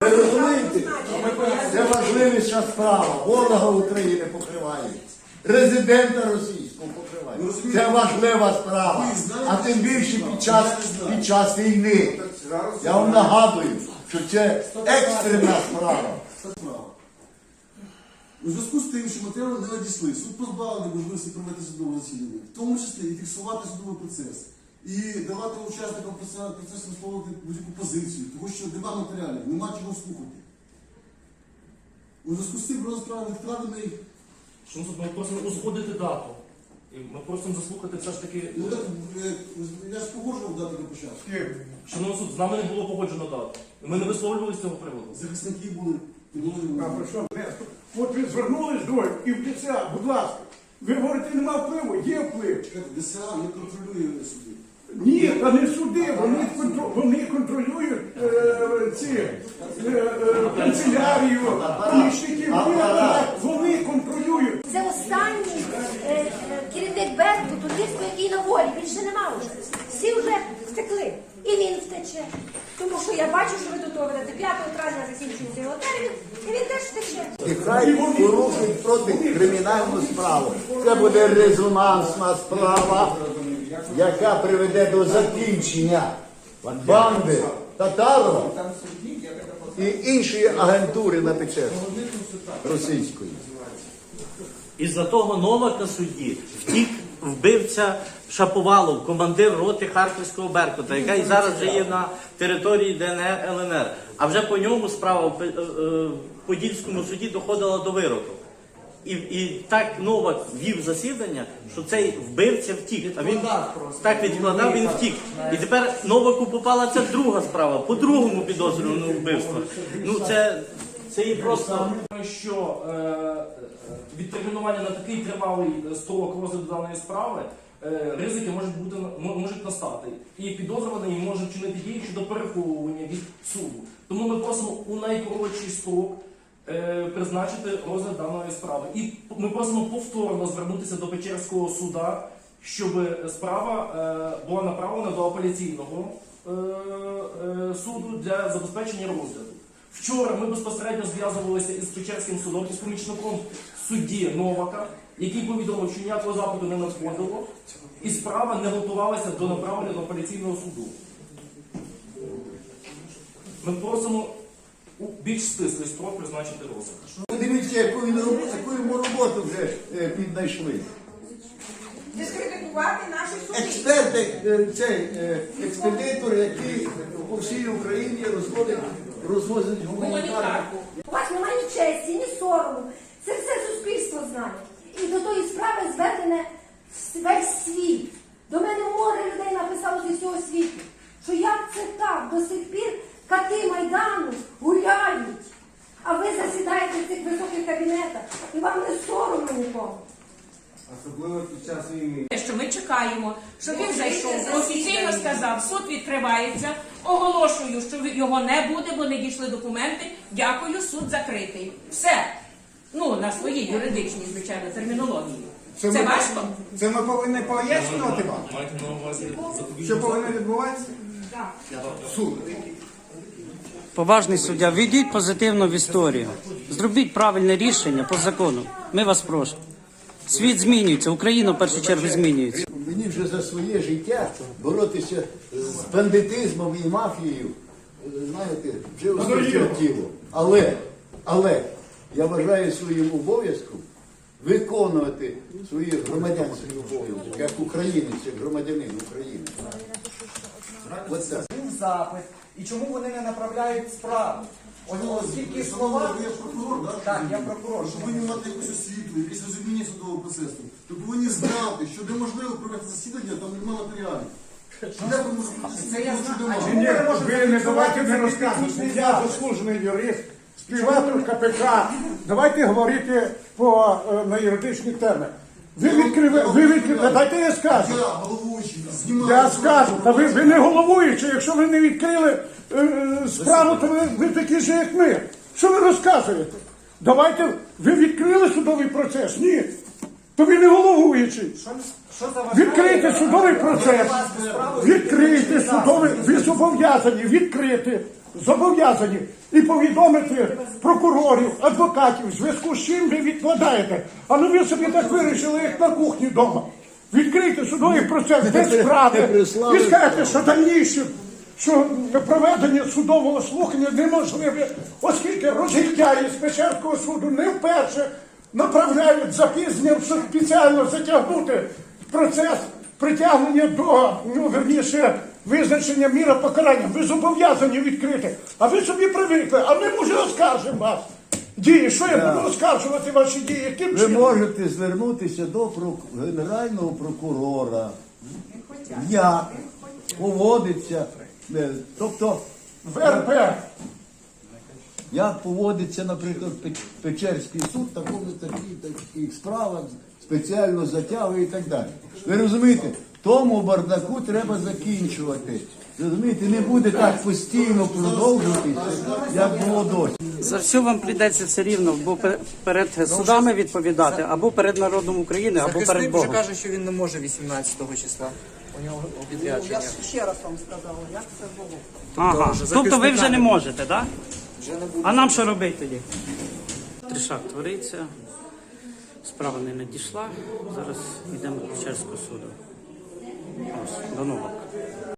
Ви розумієте? Це важливіша справа. Ворога України покривають. Резидента російського покривають. Це важлива справа. А тим більше під час війни. Я вам нагадую, що це екстрена справа. У зв'язку з тим, що матеріали не надійшли, суд позбавлений можливості провести судове засідання, в тому числі і фіксувати судовий процес, і давати учасникам процесу висловлювати будь-яку позицію, тому що нема матеріалів, нема чого слухати. У зв'язку з цим розгляд справи відкладений. Ми просимо узгодити дату. І ми просимо заслухати все ж таки... Ну так, я ж погоджував дату до початку. Шановний суд, з нами не було погоджено дату. Ми не висловлювали з цього приводу. Захисники були. От ви звернулись двоє і в ДСА, будь ласка. Ви говорите, нема впливу, є вплив. ДСА не контролює суди. Ні, та не суди, вони контролюють канцелярію, помічників, вони контролюють. Це останній керівник Беркуту, Турківського, який на волі, він ще нема вже. Всі вже втекли. І він втече. Тому що я бачу, що ви тут говорите, 5 травня закінчується його термін, і він теж втече. І хай порушують проти кримінальну справу. Це буде резонансна справа, яка приведе до закінчення банди Татарова і іншої агентури на Печерську російської. Із-за того Новака судді втік вбивця Шаповалов, командир роти Харківського Беркута, яка і зараз вже є на території ДНР, ЛНР. А вже по ньому справа в Подільському суді доходила до вироку. І так Новак вів засідання, що цей вбивця втік. А він так відкладав, він втік. І тепер Новаку попала ця друга справа, по другому підозрюваному вбивству. Ну це і просто... Що відтермінування на такий тривалий строк розгляду даної справи, ризики можуть настати. І підозрюваний може вчинити дії щодо переховування від суду. Тому ми просимо у найкоротший строк призначити розгляд даної справи. І ми просимо повторно звернутися до Печерського суда, щоб справа була направлена до апеляційного суду для забезпечення розгляду. Вчора ми безпосередньо зв'язувалися із Печерським судом, із помічником судді Новака, який повідомив, що ніякого запиту не надходило, і справа не готувалася до направлення до апеляційного суду. Ми просимо у більш стислий строк призначити розгляд. Дивіться, яку йому роботу вже піднайшли. Дискредитувати наші суди. Експерти, експедитор, який по всій Україні розвозить гуманітарку. У вас немає ні честі, ні сорому. Це все суспільство знає. І до тої справи зведене весь світ. До мене море людей написало зі всього світу, що як це так, до сих пір кати Майдану гуляють, а ви засідаєте в цих високих кабінетах, і вам не соромно нікому. Особливо під час війни. Що ми чекаємо, щоб він зайшов, офіційно сказав, суд відкривається, оголошую, що його не буде, бо не дійшли документи, дякую, суд закритий. Все. Ну, на своїй юридичній, звичайно, термінології. Це важко? Це ми повинні пояснювати вам? Маєте на увазі Що повинно відбуватися? Так. Суд. Поважний суддя, введіть позитивно в історію. Зробіть правильне рішення по закону. Ми вас просимо. Світ змінюється, Україна в першу чергу змінюється. Мені вже за своє життя боротися з бандитизмом і мафією, знаєте, вже осточертіло. Але я вважаю своїм обов'язком виконувати свої громадянські обов'язки, як українець, як громадянин України. Був запит. І чому вони не направляють справу? Оскільки слова... Я прокурор, так? Я прокурор. Що повинні мати якусь освіту, якесь розуміння судового процесу. То повинні знати, що неможливо провести засідання, там немає матеріалів. Це я знаю. Ні, ви не давайте не розказувати. Я заслужений юрист, співавтор КПК. Давайте говорити на юридичних темах. Ви відкрили, дайте я скажу. Я головуючий, знімаю. Я скажу, та ви не головуючий, якщо ви не відкрили справу, то ви такі ж, як ми. Що ви розказуєте? Давайте, ви відкрили судовий процес? Ні. То ви не головуючий. Відкрийте судовий процес. Відкрийте судовий, ви зобов'язані відкрити. зобов'язані і повідомити прокурорів, адвокатів, в зв'язку з чим ви відкладаєте. А ну ви собі так вирішили, як на кухні вдома. Відкрийте судовий процес без справи. І скажете, що дальніше, що проведення судового слухання неможливе, оскільки розгільдяї з Печерського суду не вперше направляють запізненням, щоб спеціально затягнути процес притягнення до, верніше, визначення міра покарання. Ви зобов'язані відкрити. А ви собі привикли, а ми, може, оскаржимо вас. Дії, що я буду оскаржувати ваші дії? Яким Ви чином? можете звернутися до Генерального прокурора. Як поводиться, тобто, ВРП. як поводиться, наприклад, Печерський суд, таких справах, спеціально затягує і так далі. Ви розумієте, тому бардаку треба закінчувати. Розумієте, не буде так постійно продовжуватися, як було досі. За все вам прийдеться все рівно, або перед судами відповідати, або перед народом України, або перед Захисник вже Богом. каже, що він не може 18 числа. У нього відрядження. Ще раз вам сказала, як це було. Ага. вже Тобто ви вже захисника не не можете, так? Вже не буде. А нам що робити тоді? Тришак твориться, справа не надійшла, зараз йдемо до Печерського суду. Ось, до нового.